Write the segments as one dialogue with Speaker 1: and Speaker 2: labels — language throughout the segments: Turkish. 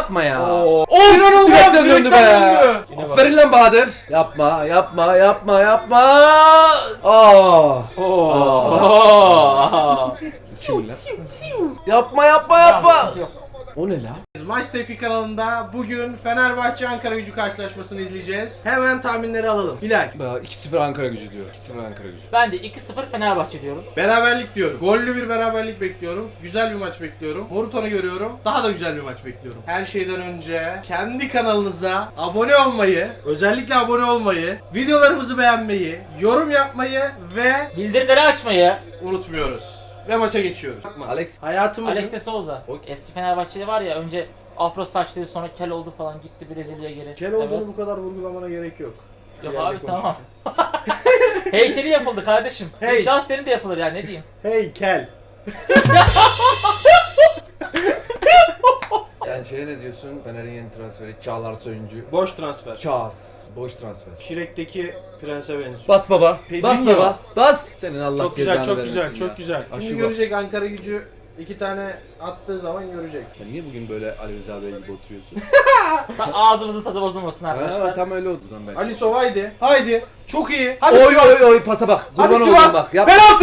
Speaker 1: yapma ya.
Speaker 2: Of!
Speaker 1: İnanılmaz döndü be.
Speaker 2: Yine bak.
Speaker 1: Aferin lan Bahadır. Yapma. Siz kimin lan? Yapma. O ne la?
Speaker 2: Maç Tepki kanalında bugün Fenerbahçe Ankara Gücü karşılaşmasını izleyeceğiz. Hemen tahminleri alalım. Hilal.
Speaker 1: 2-0 Ankara Gücü diyor. 2-0 Ankara Gücü.
Speaker 3: Ben de 2-0 Fenerbahçe diyorum.
Speaker 2: Beraberlik diyorum. Gollü bir beraberlik bekliyorum. Güzel bir maç bekliyorum. Moruton'u görüyorum. Daha da güzel bir maç bekliyorum. Her şeyden önce kendi kanalınıza abone olmayı, özellikle abone olmayı, videolarımızı beğenmeyi, yorum yapmayı ve
Speaker 3: Bildirimleri açmayı.
Speaker 2: unutmuyoruz. Ve maça geçiyoruz.
Speaker 1: Alex.
Speaker 2: Hayatımızın
Speaker 3: Alex de Souza. O eski Fenerbahçeli var ya, önce afro saçlıydı, sonra kel oldu falan, gitti Brezilya'ya geri.
Speaker 2: kel olduğunu
Speaker 3: Evet.
Speaker 2: bu kadar vurgulamana gerek yok.
Speaker 3: Yok
Speaker 2: Bir yerde
Speaker 3: abi
Speaker 2: konuş.
Speaker 3: tamam. Heykeli yapıldı kardeşim.
Speaker 2: Hey.
Speaker 3: İnşallah senin de yapılır ya, ne diyeyim.
Speaker 2: Hey kel.
Speaker 1: Yani şeye ne diyorsun? Fener'in yeni transferi Çağlar Soyuncu.
Speaker 2: Boş transfer.
Speaker 1: Çağız. Boş transfer.
Speaker 2: Şirek'teki prense benziyor.
Speaker 1: Bas baba.
Speaker 2: Pedrinho.
Speaker 1: Bas baba. Bas. Senin Allah
Speaker 2: Çok
Speaker 1: cezanı
Speaker 2: güzel, çok
Speaker 1: vermesin
Speaker 2: güzel,
Speaker 1: ya.
Speaker 2: çok güzel.
Speaker 1: Aşı
Speaker 2: Şimdi
Speaker 1: bak.
Speaker 2: görecek Ankara Gücü 2 tane attığı zaman görecek.
Speaker 1: Sen niye bugün böyle Ali Rıza Bey gibi oturuyorsun?
Speaker 3: Ağzımızın tadı bozulmasın arkadaşlar.
Speaker 1: Tam öyle oldu. Buradan belki.
Speaker 2: Ali Sovaydi. Haydi. Çok iyi. Hadi
Speaker 1: Oy
Speaker 2: Sivas.
Speaker 1: oy pasa bak.
Speaker 2: Hadi
Speaker 1: Kurban olayım
Speaker 2: Sivas.
Speaker 1: bak. Yap.
Speaker 2: Penaltı.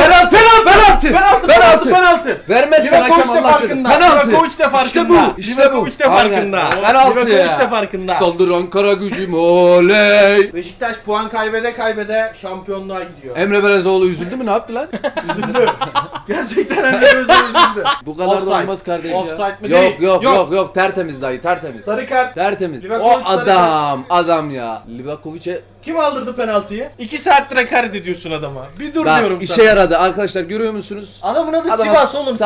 Speaker 1: Penaltı. Vermezsen hakem
Speaker 2: Livakovic de
Speaker 1: Allah aşkına.
Speaker 2: farkında.
Speaker 1: Penaltı.
Speaker 2: Livakovic de farkında.
Speaker 1: İşte bu.
Speaker 2: Livakovic de farkında.
Speaker 1: Aynen. Penaltı
Speaker 2: Livakovic
Speaker 1: ya.
Speaker 2: de farkında.
Speaker 1: Saldır Ankara Gücüm oley.
Speaker 2: Beşiktaş puan kaybede şampiyonluğa gidiyor.
Speaker 1: Emre Belezoğlu üzüldü mü? Ne yaptı lan?
Speaker 2: Üzüldü. Gerçekten Emre Özel üzüldü.
Speaker 1: Bu kadar
Speaker 2: Offside.
Speaker 1: da olmaz kardeş ya.
Speaker 2: Offside mi?
Speaker 1: Yok
Speaker 2: Değil.
Speaker 1: yok. Tertemiz dayı, tertemiz.
Speaker 2: Sarı kart.
Speaker 1: Tertemiz.
Speaker 2: Livakovic
Speaker 1: O adam ya. Livakovic'e
Speaker 2: Kim aldırdı penaltıyı? 2 saattir hakaret ediyorsun adama. Bir dur diyorum
Speaker 1: bak
Speaker 2: sana.
Speaker 1: işe yaradı arkadaşlar, görüyor musunuz?
Speaker 2: Adamın adı
Speaker 1: Adama
Speaker 2: Sivas oğlum,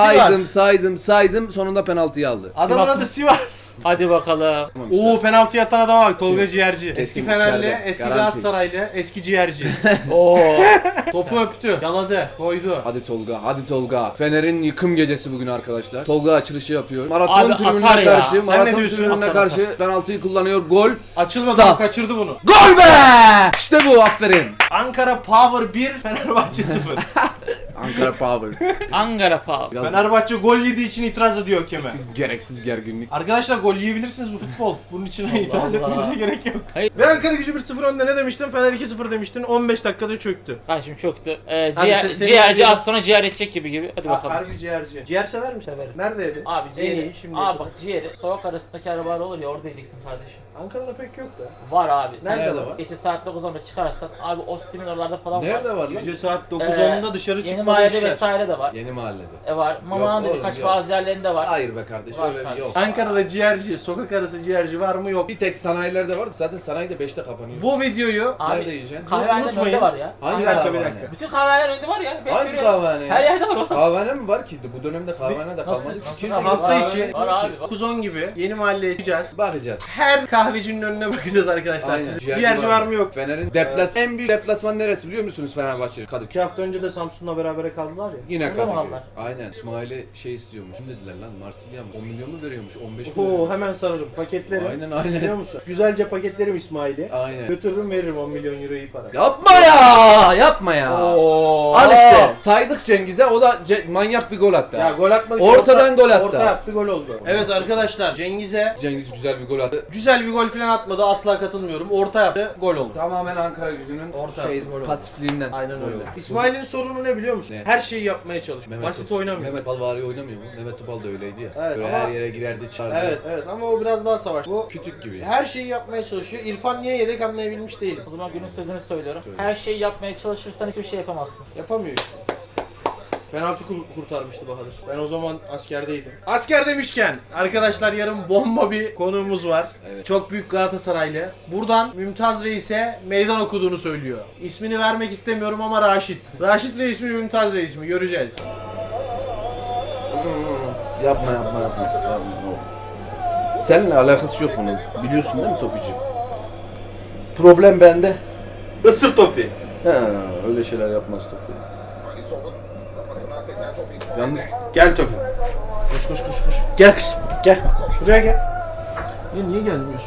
Speaker 1: saydım sonunda penaltıyı aldı.
Speaker 2: Adamın
Speaker 3: Sivas
Speaker 2: adı
Speaker 3: mı?
Speaker 2: Sivas.
Speaker 3: Hadi bakalım.
Speaker 1: Tamam işte.
Speaker 2: Oo, penaltı atan adama bak, Tolga Ciğerci.
Speaker 1: Kesin
Speaker 2: Eski Fenerli,
Speaker 1: içeride,
Speaker 2: eski
Speaker 1: garanti.
Speaker 2: Galatasaraylı, eski ciğerci.
Speaker 3: Oo.
Speaker 2: Topu öptü, yaladı, koydu.
Speaker 1: Hadi Tolga. Fener'in yıkım gecesi bugün arkadaşlar. Tolga açılışı yapıyor. Maraton
Speaker 3: Abi
Speaker 1: tribününe
Speaker 3: atar ya.
Speaker 1: karşı,
Speaker 2: Sen ne
Speaker 1: maraton
Speaker 2: diyorsun?
Speaker 1: tribününe
Speaker 3: Atar,
Speaker 1: karşı penaltıyı kullanıyor. Gol.
Speaker 2: Açılmadı,
Speaker 1: Sağ.
Speaker 2: kaçırdı bunu.
Speaker 1: Gol be! İşte bu, aferin.
Speaker 2: Ankara Power 1, Fenerbahçe 0.
Speaker 1: Ankara Power.
Speaker 3: Ankara Power.
Speaker 1: Biraz
Speaker 2: Fenerbahçe gol yediği için itiraz ediyor hakeme.
Speaker 1: gereksiz gerginlik.
Speaker 2: Arkadaşlar gol yiyebilirsiniz, bu futbol. Bunun için itiraz
Speaker 3: Allah.
Speaker 2: etmenize gerek yok.
Speaker 3: Hayır.
Speaker 2: Ve Ankara Gücü 1-0 önde, ne demiştin? Fener 2-0 demiştin. 15 dakikada çöktü.
Speaker 3: Kardeşim çöktü.
Speaker 2: Hadi senin
Speaker 3: Ciğerci
Speaker 2: videonu-
Speaker 3: az sonra ciğer edecek gibi. Hadi bakalım.
Speaker 2: Harbi ciğerci. Ciğer sever misin?
Speaker 3: Severim.
Speaker 2: Nerede yedin?
Speaker 3: Abi
Speaker 2: En
Speaker 3: ciğeri.
Speaker 2: iyi şimdi.
Speaker 3: Abi bak ciğeri. Sokak arasındaki arabalar olur ya, orada yiyeceksin kardeşim.
Speaker 2: Ankara'da pek yok da.
Speaker 3: Var abi. Sen
Speaker 1: Nerede
Speaker 3: de
Speaker 1: var?
Speaker 3: Gece saat 9'da çıkarsan abi, o Ostim'in oralarda falan var.
Speaker 1: Nerede var lan?
Speaker 2: Gece saat 9-10'da dışarı
Speaker 3: Yeni
Speaker 2: çıkmalı
Speaker 3: mahallede
Speaker 2: işler.
Speaker 3: vesaire de var.
Speaker 1: Yeni mahallede.
Speaker 3: Var. Mama'nın da
Speaker 1: oğlum,
Speaker 3: birkaç
Speaker 1: yok.
Speaker 3: bazı yerlerinde var.
Speaker 1: Hayır be kardeş,
Speaker 3: Var
Speaker 1: öyle bir
Speaker 3: kardeş.
Speaker 1: yok.
Speaker 2: Ankara'da ciğerci, sokak arası ciğerci var mı? Yok.
Speaker 1: Bir tek sanayilerde var. Zaten sanayi de 5'te kapanıyor.
Speaker 2: Bu videoyu
Speaker 3: Abi,
Speaker 1: Nerede yiyeceksin?
Speaker 3: Kahvehaneden
Speaker 2: Unutmayın.
Speaker 3: önünde var ya.
Speaker 1: Hangi
Speaker 2: Bir dakika,
Speaker 1: kahvehane?
Speaker 2: bir dakika.
Speaker 3: Bütün kahvehaneler önünde var ya. Ben
Speaker 1: Hangi
Speaker 3: görüyorum.
Speaker 1: kahvehane
Speaker 3: Her
Speaker 1: ya?
Speaker 3: yerde var o.
Speaker 1: Kahvehane mi var ki? Bu dönemde kahvehane de
Speaker 3: Nasıl?
Speaker 1: kalmadı.
Speaker 3: Nasıl?
Speaker 1: Kim-
Speaker 2: hafta
Speaker 3: Var
Speaker 2: içi
Speaker 3: abi, var abi, var.
Speaker 2: 9-10 gibi yeni mahalleye gideceğiz.
Speaker 1: Bakacağız.
Speaker 2: Her kahvecinin önüne bakacağız arkadaşlar.
Speaker 1: Aynen.
Speaker 2: Siz ciğerci var mı yok?
Speaker 1: Fener'in en büyük deplasman neresi biliyor musunuz Fenerbahçe? Kadıköy.
Speaker 2: 2 hafta önce de Samsun'la berabere kaldılar ya.
Speaker 1: Yine
Speaker 3: Orada mı
Speaker 1: Kadıköy.
Speaker 3: kaldılar?
Speaker 1: Aynen. İsmail'e şey istiyormuş. Kim dediler lan? Marsilya mı? 10 milyon mu veriyormuş? 15 mi
Speaker 2: Oo,
Speaker 1: veriyormuş?
Speaker 2: hemen sararım paketlerim.
Speaker 1: Aynen
Speaker 2: Biliyor
Speaker 1: aynen.
Speaker 2: musun? Güzelce paketlerim İsmail'i.
Speaker 1: Aynen.
Speaker 2: Götürürüm, veririm 10 milyon euroyu para.
Speaker 1: Yapma ya! Yapma ya!
Speaker 3: Oo.
Speaker 1: Al işte. Saydık Cengiz'e, o da manyak bir gol attı.
Speaker 2: Ya gol atmadı.
Speaker 1: Ortadan gol attı.
Speaker 2: Orta yaptı, gol oldu. Evet arkadaşlar, Cengiz'e
Speaker 1: Cengiz güzel bir gol attı.
Speaker 2: güzel bir gol falan atmadı, asla katılmıyorum. Orta yaptı, gol oldu.
Speaker 1: Tamamen Ankara Gücü'nün
Speaker 2: Orta gol oldu.
Speaker 1: pasifliğinden.
Speaker 2: Aynen
Speaker 1: gol
Speaker 2: öyle.
Speaker 1: oldu.
Speaker 2: İsmail'in sorunu ne biliyor musun?
Speaker 1: Ne?
Speaker 2: Her şeyi yapmaya çalışıyor. Basit oynamıyor.
Speaker 1: Mehmet Balvari oynamıyor mu? Mehmet Topal da öyleydi ya.
Speaker 2: Evet,
Speaker 1: Böyle
Speaker 2: ama-
Speaker 1: her yere girerdi, çağırdı.
Speaker 2: Evet ama o biraz daha savaş. Bu
Speaker 1: Kütük gibi.
Speaker 2: her şeyi yapmaya çalışıyor. İrfan niye yedek anlayabilmiş değilim.
Speaker 3: O zaman günün sözünü söylüyorum.
Speaker 1: Söyle.
Speaker 3: Her şeyi yapmaya çalışırsan hiçbir şey yapamazsın.
Speaker 2: Yapamıyor işte. Penaltı kurtarmıştı Bahadır. Ben o zaman askerdeydim. Asker demişken arkadaşlar, yarın bomba bir konuğumuz var.
Speaker 1: Evet.
Speaker 2: Çok büyük Galatasaraylı. Buradan Mümtaz Reis'e meydan okuduğunu söylüyor. İsmini vermek istemiyorum ama Raşit. Raşit Reis mi, Mümtaz Reis mi? Göreceğiz.
Speaker 1: Yapma. Seninle alakası yok bunun. Biliyorsun değil mi Tofici? Problem bende.
Speaker 2: Isır Tofi.
Speaker 1: He, öyle şeyler yapmaz Tofi. Yalnız
Speaker 2: Gel Tofi. Koş. Gel kızım. Gel. Buraya gel. Niye gelmiyorsun?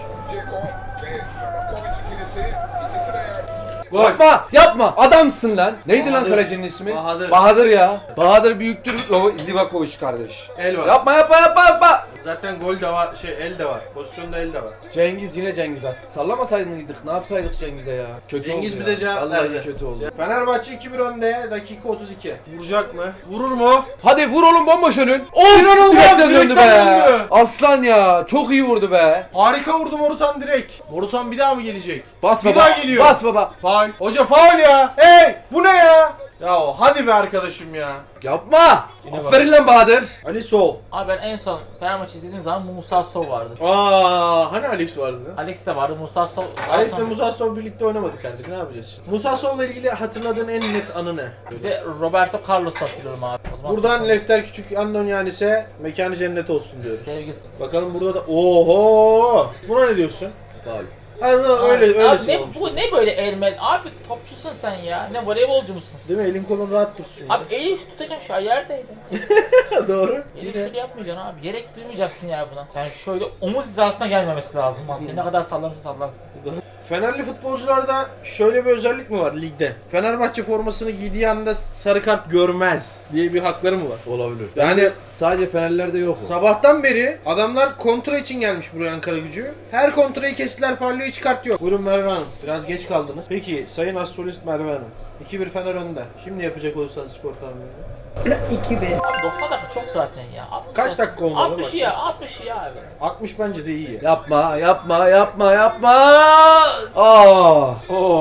Speaker 2: Gol.
Speaker 1: yapma. Adamsın lan. Neydi lan
Speaker 2: Bahadır.
Speaker 1: kalecinin ismi?
Speaker 2: Bahadır.
Speaker 1: Bahadır ya. Bahadır büyüktür. Livakovic kardeş.
Speaker 2: El var.
Speaker 1: Yapma.
Speaker 2: Zaten gol de var, el de var. Pozisyonda el de var.
Speaker 1: Cengiz yine Cengiz attı. Sallamasaydık mıydık? Ne yapsaydık Cengiz'e ya? Kötü
Speaker 2: Cengiz
Speaker 1: oldu
Speaker 2: bize
Speaker 1: ya.
Speaker 2: cevap
Speaker 1: Vallahi
Speaker 2: verdi.
Speaker 1: kötü oldu.
Speaker 2: Fenerbahçe 2-1 önde. Dakika 32. Vuracak mı? Vurur mu?
Speaker 1: Hadi vur oğlum bomboş önün. Of!
Speaker 2: İnanılmaz,
Speaker 1: Direkten döndü be.
Speaker 2: direkten döndü.
Speaker 1: Aslan ya. Çok iyi vurdu be.
Speaker 2: Harika vurdu Morutan direkt. Morutan bir daha mı gelecek?
Speaker 1: Bas
Speaker 2: Bir
Speaker 1: baba.
Speaker 2: daha geliyor.
Speaker 1: Bas baba.
Speaker 2: Faul. Hoca faul ya. Hey! Bu ne ya? Ya hadi be arkadaşım ya.
Speaker 1: Yapma.
Speaker 2: Yine
Speaker 1: Aferin lan Bahadır.
Speaker 2: Ali Sol.
Speaker 3: Abi ben en son Fenerbahçe izlediğim zaman Musa Sov vardı.
Speaker 2: Hani Alex vardı?
Speaker 3: Alex de vardı, Musa Sov.
Speaker 2: Alex ve Musa Sol birlikte oynamadık artık. Ne yapacağız şimdi? Musa Sol'la ilgili hatırladığın en net anı ne?
Speaker 3: Bir de Roberto Carlos hatırlıyorum abi. O zaman
Speaker 2: Buradan
Speaker 3: sen-
Speaker 2: Lefter Küçük Andonyanis'e mekanı cennet olsun diyorum.
Speaker 3: Sevgisi.
Speaker 2: Bakalım burada da oho! Buna ne diyorsun?
Speaker 1: Faul.
Speaker 2: Hayır öyle
Speaker 3: Abi
Speaker 2: şey
Speaker 3: ne,
Speaker 2: olmuş.
Speaker 3: bu ne böyle elme? Abi topçusun sen ya. Ne voleybolcu musun?
Speaker 2: Değil mi? Elin kolun rahat dursun. ya.
Speaker 3: Abi eli şu tutacaksın şu an yerdeydi.
Speaker 2: Doğru.
Speaker 3: Eli şöyle yapmayacaksın abi. Gerek duymayacaksın ya buna. Yani şöyle omuz hizasına gelmemesi lazım mantığı. Ne kadar sallanırsa sallansın.
Speaker 2: Fenerli futbolcularda şöyle bir özellik mi var ligde? Fenerbahçe formasını giydiği anda sarı kart görmez diye bir hakları mı var?
Speaker 1: Olabilir.
Speaker 2: Yani
Speaker 1: Sadece Fenerlerde yok o.
Speaker 2: sabahtan beri adamlar kontra için gelmiş buraya Ankara Gücü. Her kontrayı kestiler, faulü hiç kart yok. Buyurun Merve Hanım. Biraz geç kaldınız. Peki Sayın Astrolist Merve Hanım. 2-1 Fener önde. Şimdi yapacak olursanız skor tahminini.
Speaker 4: 2-1.
Speaker 3: Abi 90 dakika çok zaten ya.
Speaker 2: Kaç dakika olmalı
Speaker 3: 60 ya, 60 ya abi.
Speaker 2: 60 bence de iyi ya.
Speaker 1: Yapma, yapma, yapma, yapma. Aa!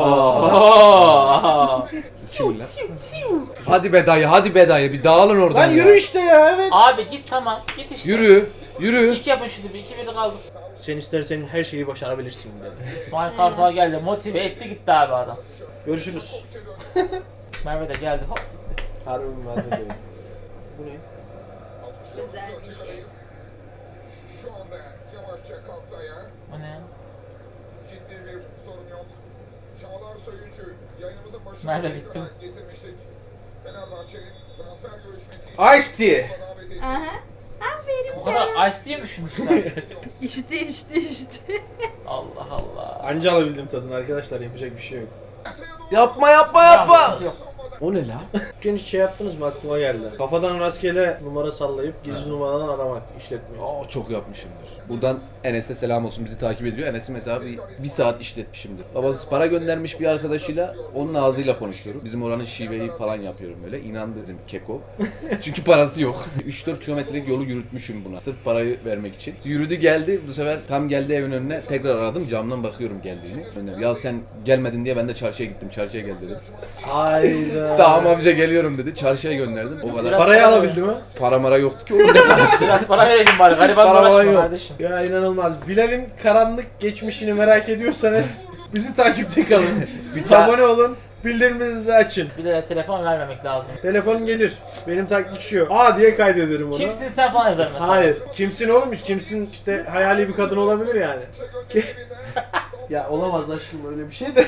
Speaker 3: Oo.
Speaker 1: Siu, siu. Hadi be dayı, hadi be dayı. Bir dağılın oradan
Speaker 2: Lan
Speaker 1: ya.
Speaker 2: yürü işte ya, evet.
Speaker 3: Abi git tamam. Git işte.
Speaker 1: Yürü, yürü.
Speaker 3: 2 yapın şunu bir. 2-1'de kaldık.
Speaker 2: Sen istersen her şeyi başarabilirsin dedi.
Speaker 3: İsmail Kartal geldi. Motive etti gitti abi adam.
Speaker 2: Görüşürüz.
Speaker 3: Merve de geldi. Hop.
Speaker 2: Harbi Merve de. Bu ne?
Speaker 4: Güzel bir şey.
Speaker 5: Şu anda yavaşça kalktı ayağa.
Speaker 3: O ne ya?
Speaker 5: Ciddi bir sorun yok. Çağlar Söyüncü yayınımızın başına
Speaker 3: Merve
Speaker 5: ekrana
Speaker 3: bittim.
Speaker 5: getirmiştik. Fenerbahçe'nin transfer görüşmesi
Speaker 2: Ice Tea.
Speaker 5: davet edildi.
Speaker 4: Aha. Aferin
Speaker 3: O
Speaker 4: sana.
Speaker 3: kadar ice diye mi düşündün sen?
Speaker 4: İşte.
Speaker 3: Allah Allah.
Speaker 2: Anca alabildim tadını arkadaşlar, yapacak bir şey yok.
Speaker 1: Yapma, yapma,
Speaker 3: Tamam,
Speaker 1: yapma.
Speaker 3: sıkıntı yok.
Speaker 1: O ne la?
Speaker 2: Bugün hiç şey yaptınız mı, aklıma geldi. Kafadan rastgele numara sallayıp gizli numaradan aramak, işletmeyi.
Speaker 1: Aa, çok yapmışımdır. Buradan Enes'e selam olsun, bizi takip ediyor. Enes'i mesela bir saat işletmişimdir. Babası para göndermiş bir arkadaşıyla, onun ağzıyla konuşuyorum. Bizim oranın şiveyi falan yapıyorum öyle. İnandı bizim keko. Çünkü parası yok. 3-4 kilometrelik yolu yürütmüşüm buna. Sırf parayı vermek için. Yürüdü geldi. Bu sefer tam geldi evin önüne. Tekrar aradım. Camdan bakıyorum geldiğini. Ya sen gelmedin diye ben de çarşıya gittim. Çarşıya gel dedim.
Speaker 2: Hayda.
Speaker 1: Tamam amca geliyorum dedi. Çarşıya gönderdim. O kadar.
Speaker 3: Biraz
Speaker 2: Parayı
Speaker 3: para
Speaker 2: alabildi mi?
Speaker 1: Para mara yoktu ki oğlum, ne parası.
Speaker 3: Biraz para vereyim bari. Gariban
Speaker 1: Para
Speaker 3: uğraşma
Speaker 1: yok.
Speaker 3: kardeşim.
Speaker 2: Ya inanılmaz. Bilal'in karanlık geçmişini merak ediyorsanız bizi takipte kalın. Abone olun. Bildirimlerinizi açın.
Speaker 3: Bir de telefon vermemek lazım.
Speaker 2: Telefon gelir. Benim taktik şu. Aa diye kaydederim onu.
Speaker 3: Kimsin sen falan yazar mesela.
Speaker 2: Hayır. Kimsin oğlum? Kimsin işte, hayali bir kadın olabilir yani. Ya olamaz aşkım öyle bir şey de.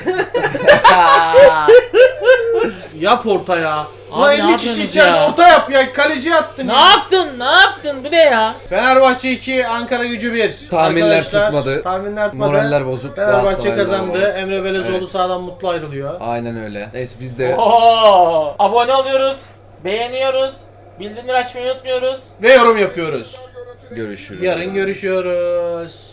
Speaker 2: Yap orta ya.
Speaker 3: Abi
Speaker 2: Ulan
Speaker 3: ne
Speaker 2: 50 kişi
Speaker 3: yapıyorsunuz
Speaker 2: içeride
Speaker 3: ya?
Speaker 2: orta yap ya. Kaleciye attın
Speaker 3: Ne
Speaker 2: ya.
Speaker 3: yaptın? Ne yaptın? Bu ne ya?
Speaker 2: Fenerbahçe 2, Ankara Gücü 1.
Speaker 1: Tahminler
Speaker 2: Arkadaşlar,
Speaker 1: tutmadı.
Speaker 2: Tahminler tutmadı.
Speaker 1: Moraller bozuk.
Speaker 2: Fenerbahçe
Speaker 1: Galatasaray'da
Speaker 2: kazandı.
Speaker 1: var.
Speaker 2: Emre Belezoğlu
Speaker 1: Evet.
Speaker 2: sahadan mutlu ayrılıyor.
Speaker 1: Aynen öyle. Neyse biz de
Speaker 3: Oo! Abone oluyoruz. Beğeniyoruz. Bildirimleri açmayı unutmuyoruz.
Speaker 2: Ve yorum yapıyoruz.
Speaker 1: görüşürüz.
Speaker 2: Yarın görüşüyoruz.